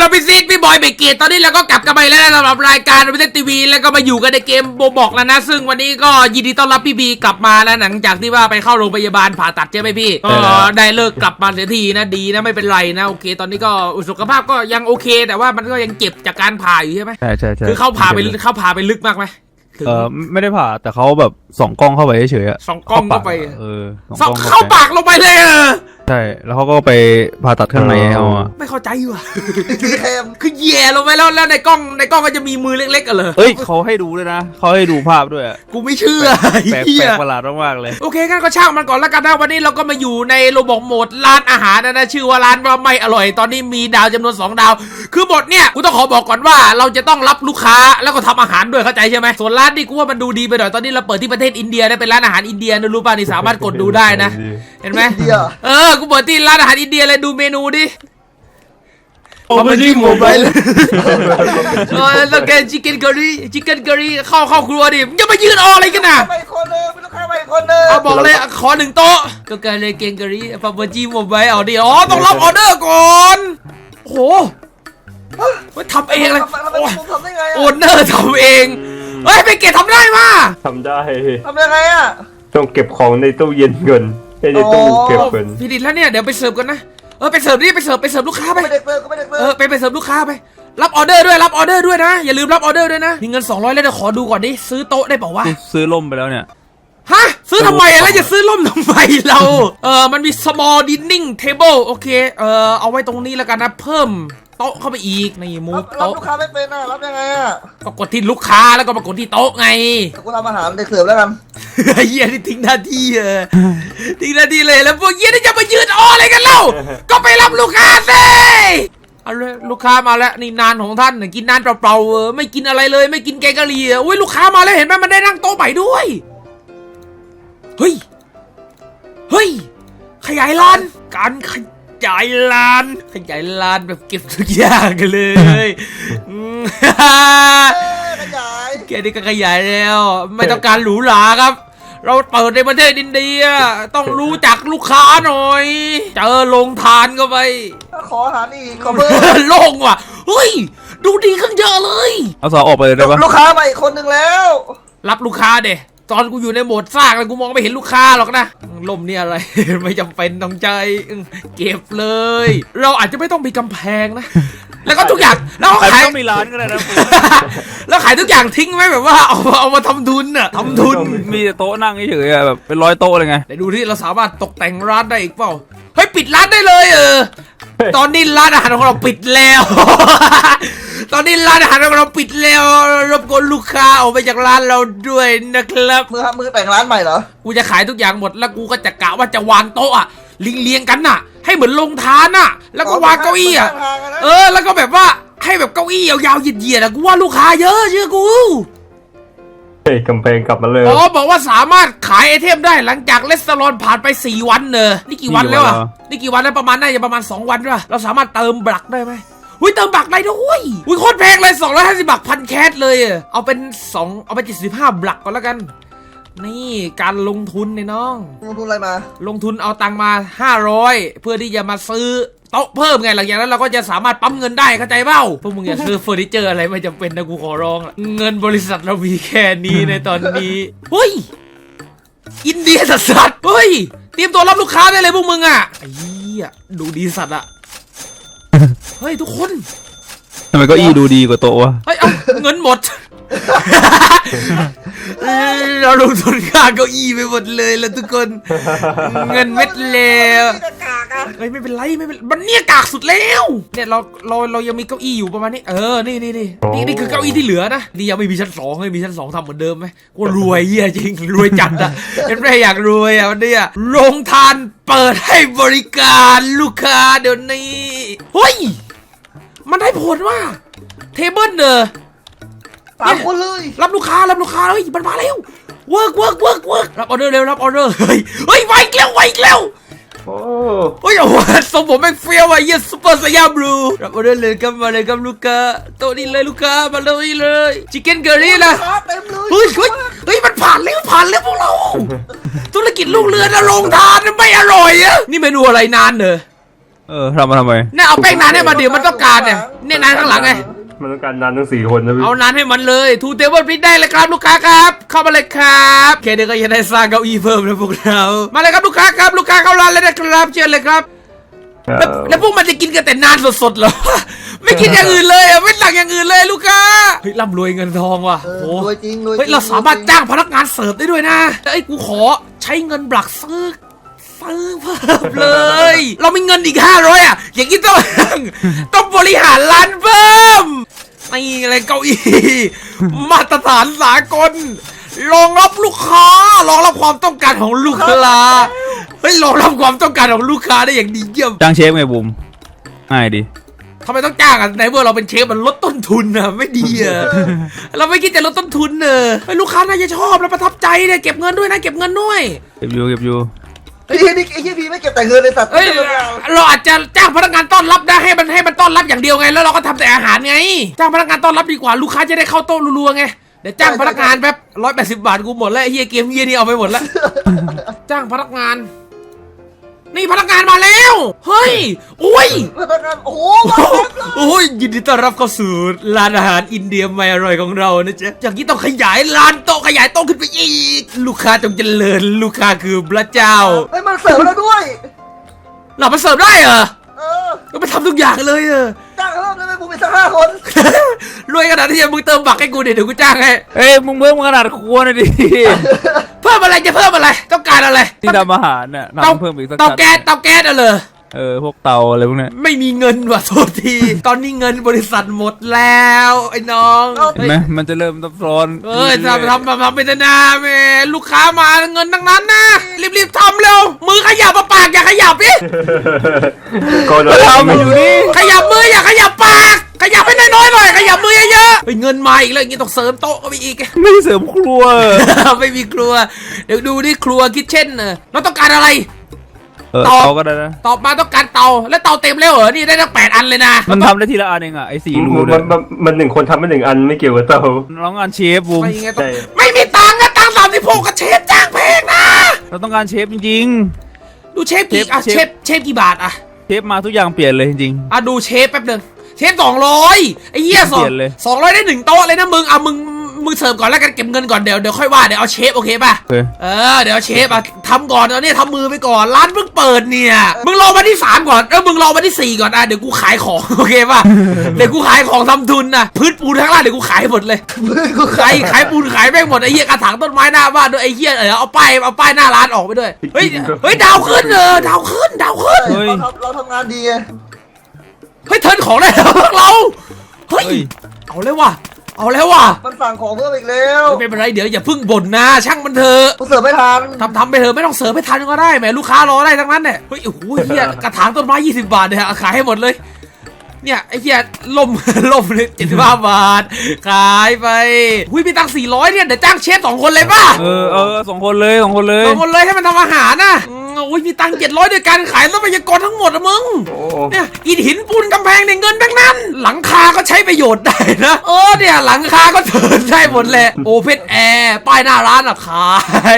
พี่ซีดพี่บอยเบเกตตอนนี้เราก็กลับกันไปแล้วสำหรับรายการวิทยุทีวีแล้วก็มาอยู่กันในเกมโบบอกแล้วนะซึ่งวันนี้ก็ยินดีต้อนรับพี่บีกลับมาแล้วหลังจากที่ว่าไปเข้าโรงพยาบาลผ่าตัดใช่ไหมพี่ก็ได้เลิกกลับมาเสียทีนะดีนะไม่เป็นไรนะโอเคตอนนี้ก็สุขภาพก็ยังโอเคแต่ว่ามันก็ยังเจ็บจากการผ่าอยู่ใช่ไหมใช่คือเข้าผ่าไปลึกมากไหมไม่ได้ผ่าแต่เขาแบบส่องกล้องเข้าไปเฉยๆส่องกล้องเข้าไปเข้าปากลงไปเลยใช่แล้วเขาก็ไปผ่าตัดข้างในเอาไม่เข้าใจว่ะคือแย่ลงไปแล้วในกล้องก็จะมีมือเล็กๆกันเลยเฮ้ยเขาให้ดูด้วยนะเขาให้ดูภาพด้วยกูไม่เชื่อแปลกประหลาดมากเลยโอเคงั้นก็ช่างมันก่อนแล้วกันนะวันนี้เราก็มาอยู่ในโรบอกโหมดร้านอาหารนะชื่อว่าร้านว่าไม่อร่อยตอนนี้มีดาวจำนวน2 ดาวคือหมดเนี่ยกูต้องขอบอกก่อนว่าเราจะต้องรับลูกค้าแล้วก็ทำอาหารด้วยเข้าใจใช่ไหมส่วนร้านนี่กูว่ามันดูดีไปหน่อยตอนนี้เราเปิดที่ประเทศอินเดียนะเป็นร้านอาหารอินเดียนะรู้ป่ะนี่สามารถกดดูได้นะเห็นไหมกูเปิดที่ร้านอาหารอินเดียเลยดูเมนูดิโอ้ไม่ใช่หมูไปเลยแล้วแกชิคเก้นกอรี่เข้าครัวดิมึงจะมายืนอะไรกันน่ะไปคนนึงเป็นลูกค้าไปคนนึงเอาบอกเลยขอ1 โต๊ะก็แกเลยเกนกอรี่ปาปาจิหมูไปเอาดิต้องรับออเดอร์ก่อนโอ้โหทำเองเลยโอนเนอร์ทำเองเฮ้ยไปเก็บทำได้มาทำได้ทำยังไงอ่ะต้องเก็บของในตู้เย็นเงินในตู้เก็บเงินพี่ดินแล้วเนี่ยเดี๋ยวไปเสิร์ฟกันนะไปเสิร์ฟนี่ไปเสิร์ฟลูกค้าไปเด็กเสิร์ฟก็ไม่เด็กเสิร์ฟไปเสิร์ฟลูกค้าไปรับออเดอร์ด้วยนะอย่าลืมรับออเดอร์ด้วยนะมีเงิน200แล้วเดี๋ยวขอดูก่อนดิซื้อโต๊ะได้เปล่าวะซื้อล่มไปแล้วเนี่ยฮะซื้อทำไมแล้วจะซื้อล่มทำไมเรามันมี small dining table โอเคเอาไว้ตรงนี้แล้วกันนะเพิ่มโต๊ะเข้าไปอีกนี่มูฟโต๊ะลูกค้าไม่เป็นนะรับยังไงอ่ะก็กดที่ลูกค้าแล้วก็มากดที่โต๊ะไงกูทำอาหารเด็กเสิร์ฟแล้วกันเฮียนี่ทิ้งหน้าที่ทิ้งหน้าที่เลยแล้วพวกเฮียนี่จะมายืนอะไรกันเล่าก็ไปรับลูกค้าสิเอาเลยลูกค้ามาแล้วนี่นานของท่านกินนานเปล่าๆไม่กินอะไรเลยไม่กินแกงกะหรี่อุ้ยลูกค้ามาแล้วเห็นไหมมันได้นั่งโต๊ะใหม่ด้วยเฮ้ยขยายร้านการขยายร้านแบบเก็บทุกอย่างกันเลยขยายแกนี่ก็ขยายแล้วไม่ต้องการหรูหราครับเราเปิดในประเทศอินเดียต้องรู้จักลูกค้าหน่อยเจอลงทานก็ไปขออาหารอีกขอเบอร์ลงว่ะเฮ้ยดูดีขึ้นเยอะเลยเอาสอออกไปเลยได้ปะลูกค้ามาอีกคนนึงแล้วรับลูกค้าเด้ตอนกูอยู่ในโหมดสร้างแล้วกูมองไม่เห็นลูกค้าหรอกนะล่มนี่อะไร ไม่จำเป็นต้องใจเก็บเลยเราอาจจะไม่ต้องมีกำแพงนะแล้วก็ทุกอย่างแล้วขายต้องมีร้านก็ได้นะแล้วขายทุกอย่างทิ้งไว้แบบว่าเอามาทำทุนน่ะทำทุนมีแต่โต๊ะนั่งเฉยๆแบบเป็น100 โต๊ะเลยไงแต่ดูที่เราสามารถตกแต่งร้านได้อีกเปล่าเฮ้ยปิดร้านได้เลยตอนนี้ร้านอาหารของเราปิดแล้วตอนนี้ร้านอาหารของเราปิดแล้วรบกวนลูกค้าออกไปจากร้านเราด้วยนะครับมือแต่งร้านใหม่เหรอกูจะขายทุกอย่างหมดแล้วกูก็จะกะว่าจะวางโต๊ะอะเรียงกันน่ะให้เหมือนลงทานน่ะแล้วก็วางเก้าอี้อะแล้วก็แบบว่าให้แบบเก้าอี้ยาวๆเหยียดๆอะกูว่าลูกค้าเยอะเชื่อกูเฮ้ยกำแพงกลับมาเลยบอกว่าสามารถขายไอเทมได้หลังจากเลสเตอรอนผ่านไป4 วันเนอะนี่กี่วันแล้วอะนี่กี่วันแล้วประมาณน่าจะประมาณ2 วันป่ะเราสามารถเติมบลักได้ไหมเติมบักได้ด้วยโคตรแพงเลย250 บัก1,000 แคสเลยเอาเป็น75 บักก็แล้วกันนี่การลงทุนเนี่ยน้องลงทุนอะไรมาลงทุนเอาตังมา500เพื่อที่จะมาซื้อโต๊ะเพิ่มไงหลังจากนั้นเราก็จะสามารถปั๊มเงินได้เข้าใจเปล่าพวกมึงอย่าซื้อเฟอร์นิเจอร์อะไรไม่จำเป็นนะกูขอร้องเงินบริษัทเรามีแค่นี้ในตอนนี้เฮ้ยอินเดียสัตว์เฮ้ยเตรียมตัวรับลูกค้าได้เลยพวกมึงไอ้เหี้ยดูดีสัตว์เฮ้ยทุกคนทำไมเก้าอี้ดูดีกว่าโต๊ะวะเฮ้ยเอาเงินหมดเราลงทุนค่าเก้าอี้ไปหมดเลยแล้วทุกคนเงินเม็ดแล้วเฮ้ยไม่เป็นไรมันเนี่ยกากสุดแล้วเนี่ยเรายังมีเก้าอี้อยู่ประมาณนี้นี่คือเก้าอี้ที่เหลือนะนี่ยังไม่มีชั้น2เลยมีชั้น2ทำเหมือนเดิมไหมกูรวยเหี้ยจริงรวยจัดเป็นแม่อยากรวยวันนี้โรงทานเปิดให้บริการลูกค้าเดี๋ยวนี้เฮ้ยมันได้ผลว่าเทเบิล 3 คนเลยรับลูกค้าเฮ้ยมันมาแล้วเวิร์กรับออเดอร์เร็วรับออเดอร์เฮ้ยไวอีกแล้วโอ้ยโอ้โหสมผมแม่งเฟี้ยวเยี่ยซุปเปอร์สยามบลูรับออเดอร์เลยครับมาเลยครับลูกค้าโต๊ะนี้เลยลูกค้ามาเลยชิคเก้นเกอรี่นะเฮ้ยมันผ่านแล้วพวกเราธุรกิจลูกเรือนะโรงทานไม่อร่อยนี่เมนูอะไรนานเนอะทำมาทำไมเนี่ยเอาแป้งนานให้มันเดี๋ยวมันต้องการเนี่ยนานข้างหลังไงมันต้องการนานทั้ง4 คนนะพี่เอานานให้มันเลยทูเทเบิลพิทได้เลยครับลูกค้าครับเข้ามาเลยครับแค่เดี๋ยวก็ยังได้สร้างเก้าอี้เพิ่มนะพวกเรามาเลยครับลูกค้าครับลูกค้าเข้าร้านเลยนะครับเชิญเลยครับแล้วพวกมันจะกินกันแต่นานสดๆเหรอ ไม่กินอย่างอื่นเลยไม่สั่งอย่างอื่นเลยลูกค้าเฮ้ยร่ำรวยเงินทองว่ะเออโอ้รวยจริงรวยจริงเฮ้ยเราสามารถจ้างพนักงานเสิร์ฟได้ด้วยนะแต่ไอ้กูขอใช้เงินบลักซื้อเพิ่มเลย เรามีเงินอีก500อ่ะอย่างนี้ต้องบริหารร้านเพิ่มนี่อะไรเก้าอี้ มาตรฐานสากลรองรับลูกค้ารองรับความต้องการของลูกค้าเฮ้ยรองรับความต้องการของลูกค้าได้อย่างดีเยี่ยมจ้างเชฟไงบุ๋มง่ายดีทำไมต้องจ้างอ่ะในเมื่อเราเป็นเชฟมันลดต้นทุนอ่ะไม่ดีอ่ะ เราไม่คิดจะลดต้นทุนเนอะเฮ้ยลูกค้าน่าจะชอบและประทับใจเนี่ยเก็บเงินด้วยนะเก็บเงินด้วยเก็บอยู่ไอ้เหี้ยนี่ไอ้เหี้ยพี่ไม่เก็บแต่เงินเลยสัตว์เฮ้ยเราอาจจะจ้างพนักงานต้อนรับได้ให้มันต้อนรับอย่างเดียวไงแล้วเราก็ทำแต่อาหารไงจ้างพนักงานต้อนรับดีกว่าลูกค้าจะได้เข้าโต๊ะรัวๆไงเดี๋ยวจ้างพนักงานแบบ180 บาทกูหมดแล้วไอ้เฮียเกมเฮียนี่เอาไปหมดแล้ว จ้างพนักงาน นี่พนักงานมาแล้วเฮ้ยอุ้ยพนักงานโอ้โหมาแล้วโอ้ยยินดีต้อนรับเข้าสู่ร้านอาหารอินเดียไม่อร่อยของเรานะจ๊ะอย่างนี้ต้องขยายร้านโต๊ะขยายโต๊ะขึ้นไปอีกลูกค้าจงเจริญลูกค้าคือพระเจ้าเฮ้ยมันเสิร์ฟแล้วด้วยเรามาเสิร์ฟได้เหรอเออก็ไปทำทุกอย่างเลยเออจ้างเพิ่มได้ไหมกูเป็นสัก5 คนรวยขนาดที่มึงเติมบักให้กูเดี๋ยวกูจ้างให้เอ้ยมึงเพิ่มขนาดครัวหน่อยดิเพิ่มอะไรจะเพิ่มอะไรต้องการอะไรที่ทำอาหารเนี่ยเตาทำเพิ่มอีกสักเตาชั้นแก๊สอะเลยพวกเตาอะไรพวกเนี้ยไม่มีเงินว่ะโทษที ตอนนี้เงินบริษัทหมดแล้วไอ้น้องเห็นไหมมันจะเริ่มซับซ้อนเอ้ยทำเป็นนาแม่ลูกค้ามาเงินทั้งนั้นนะรีบทำเร็วมือขยับปากอย่าขยับดิก็โดนทำอยู่นี่ขยับมืออย่าขยับปากขยับให้น้อยๆหน่อยขยับมือเยอะๆเฮ้ยเงินมาอีกแล้วอย่างงี้ต้องเสริมโต๊ะเข้าไปอีกไม่เสริมครัวไม่มีครัวเดี๋ยวดูนี่ครัวคิทเช่นเราต้องการอะไรเตาก็ได้นะตอบมาต้องการเตาแล้วเตาเต็มแล้วเหรอนี่ได้ตั้ง8 อันเลยนะมันทำได้ทีละอันเองอ่ะไอ้4 รูเนี่ยมัน1 คนทำไม่1 อันไม่เกี่ยวกับเตาเราต้องการเชฟบุ๋มไม่ไงต้องใช่ไม่มีตังค์นะตังค์36กับเชฟจ้างแพงนะเราต้องการเชฟจริงดูเชฟกี่อ่ะเชฟเชฟกี่บาทอ่ะๆเชฟมาทุกอย่างเปลี่ยนเลยจริงอ่ะดูเชฟแป๊บนึงเชฟ200ไอ้เหี้ยเปลี่ยนเลย 200ได้1 โต๊ะเลยนะมึงเอามึงเสิร์ฟก่อนแล้วกันเก็บเงินก่อนเดี๋ยวค่อยว่าเดี๋ยวเอาเชฟโอเคป่ะโอเคเดี๋ยวเชฟอ่ะทำก่อนตอนนี้ทำมือไปก่อนร้านเพิ่งเปิดเนี่ยมึงรอมาที่3ก่อนมึงรอมาที่4ก่อนเดี๋ยวกูขายของ โอเคป่ะ เดี๋ยวกูขายของทำทุนนะพื้นปูนทั้งร้านเดี๋ยวกูขายหมดเลยขายปูนขายแม่งหมดไอ้เหี้ยกระถางต้นไม้หน้าบ้านด้วยไอ้เหี้ยเอาป้ายหน้าร้านออกไปด้วยเฮ้ยดาวขึ้นดาวขึ้นเฮ้ยเราทำงานดีไงเฮ้ยเทิร์นของได้แล้วพวกเราเฮ้ยเฮ้ยเอาแล้วว่ะมันสั่งของเพิ่มอีกแล้วไม่เป็นไรเดี๋ยวอย่าเพิ่งบ่นนะช่างมันเถอะกูเสิร์ฟไม่ทันทำไปเถอะไม่ต้องเสิร์ฟให้ทันก็ได้แหมลูกค้ารอได้ทั้งนั้นเนี่ยเฮ้ยโอ้โหเฮียกระถางต้นไม้20 บาทเนี่ยขายให้หมดเลยเนี่ยไอ้เฮียล่ม เลย75 บาทขายไปหุ้ยมีตังค์400เนี่ยเดี๋ยวจ้างเชฟ2 คนเลยป่ะ 2 คนเลย 2 คนเลยให้มันทำอาหานะอุ้ยมีตังค์700ด้วยกันขายทรัพยากรทั้งหมดอะมึงโอ้เนี่ยอิฐหินปูนกำแพงเนี่ยเงินทั้งนั้น หลังคาก็ใช้ประโยชน์ได้นะเนี่ยหลังคาก็เทินได้หมดแหละโอเพนแอร์ป้ายหน้าร้านอะขาย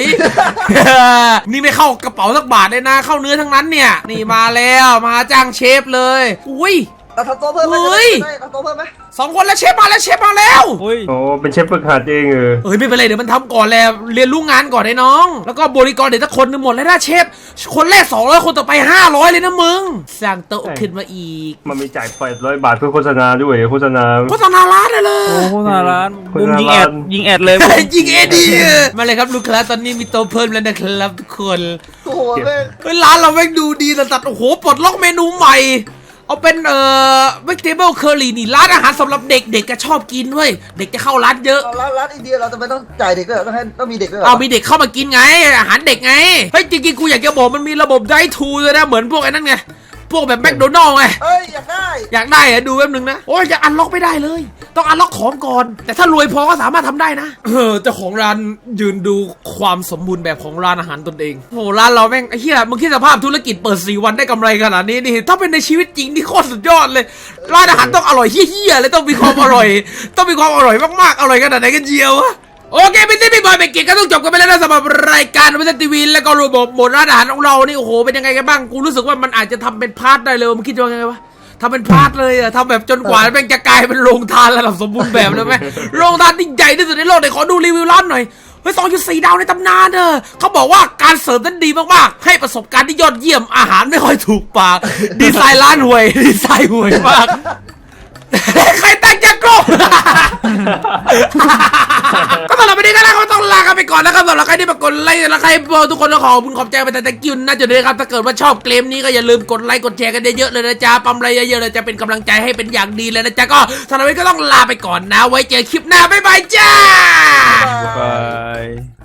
นี่ไม่เข้ากระเป๋าสักบาทเลยนะเข้าเนื้อทั้งนั้นเนี่ยนี่มาแล้วมาจ้างเชฟเลยอุ้ยเราทำโต๊ะเพิ่มไหมเฮ้ยทำโต๊ะเพิ่มไหม 2 คนแล้วเชฟมาแล้วเฮ้ยโอ้เป็นเชฟฝึกหัดเองเฮ้ยไม่เป็นไรเดี๋ยวมันทำก่อนแล้วเรียนรู้งานก่อนไอ้น้อง แล้วก็บริกรเดี๋ยวถ้าคนหนึงหมดแล้วนะเชฟคนแรก200คนต่อไป500เลยนะมึงสร้างโต๊ะขึ้นมาอีกมันมีจ่าย800 บาทเพื่อโฆษณาด้วยโฆษณาโฆษณาร้านเลยโอ้โหหน้าร้านโฆษบุ้มณายิงแอดร้านยิงแอดเลยบุ้มยิงเอดีมาเลยครับลูกค้าตอนนี้มีโต๊ะเพิ่มแล้วนะครับทุกคนโอ้โหแม่งเฮ้ยร้านเราแม่งดูดีแต่โอ้โหปลดล็อกเมนูใหม่เอาเป็นvegetable curry นี่ร้านอาหารสำหรับเด็กก็ชอบกินด้วยเด็กจะเข้าร้านเยอะร้านอินเดียเราจะไม่ต้องจ่ายเด็กด้วยเหรอต้องมีเด็กด้วยเหรอเอามีเด็กเข้ามากินไงอาหารเด็กไงเฮ้ยจริงๆกูอยากจะบอกมันมีระบบได้ทูด้วยนะเหมือนพวกไอ้นั่นไงพวกแบบแมคโดนัลล์ไงเอ้ยอยากได้อยากได้อะดูแป๊บนึงนะโอ้ยจะอันล็อกไม่ได้เลย ต้องอันล็อกของก่อน แต่ถ้ารวยพอก็สามารถทำได้นะเจ้าของร้านยืนดูความสมบูรณ์แบบของร้านอาหารตนเองโหร้านเราแม่งไอ้เหี้ยมึงคิดสภาพธุรกิจเปิด4 วันได้กำไรขนาดนี้นี่ถ้าเป็นในชีวิตจริงนี่โคตรสุดยอดเลยร้านอาหารต้องอร่อยเหี้ยๆเลยต้องมีความอร่อย ต้องมีความอร่อยมากๆอร่อยขนาดไหนกันเจียววะโอเคพี่บอยเป็นเกียรติก็ต้องจบกันไปแล้วนะสำหรับรายการวิทยทีวีแล้วก็ระบบหมดร้านอาหารของเรานี่โอ้โหเป็นยังไงกันบ้างกูรู้สึกว่ามันอาจจะทำเป็นพาร์ทได้เลยมึงคิดว่าไงวะทำเป็นพาร์ทเลยอะทำแบบจนกว่าแม่งจะกลายเป็นโรงทานระดับสมบูรณ์แบบเลยไหมโรงทานที่ใหญ่ที่สุดในโลกเลยขอดูรีวิวร้านหน่อยเฮ้ย2.4 ดาวในตำนานเขาบอกว่าการเสิร์ฟนั้นดีมากๆให้ประสบการณ์ที่ยอดเยี่ยมอาหารไม่ค่อยถูกปากดีไซน์ร้านห่วยดีไซน์ห่วยมากใครตั้งจะกล้อง ก็สำหรับวันนี้ก็แล้วก็ต้องลากันไปก่อนนะครับสำหรับใครที่มากดไลค์และใครทุกคนก็ขอบคุณขอบใจไปแต่ thank you น่าจะด้วยครับถ้าเกิดว่าชอบเกมนี้ก็อย่าลืมกดไลค์กดแชร์กันเยอะๆเลยนะจ๊ะปั๊มไลค์เยอะๆเลยจะเป็นกำลังใจให้เป็นอย่างดีเลยนะจ๊ะก็สำหรับวันนี้ก็ต้องลาไปก่อนนะไว้เจอคลิปหน้าบ๊ายบายจ้าบาย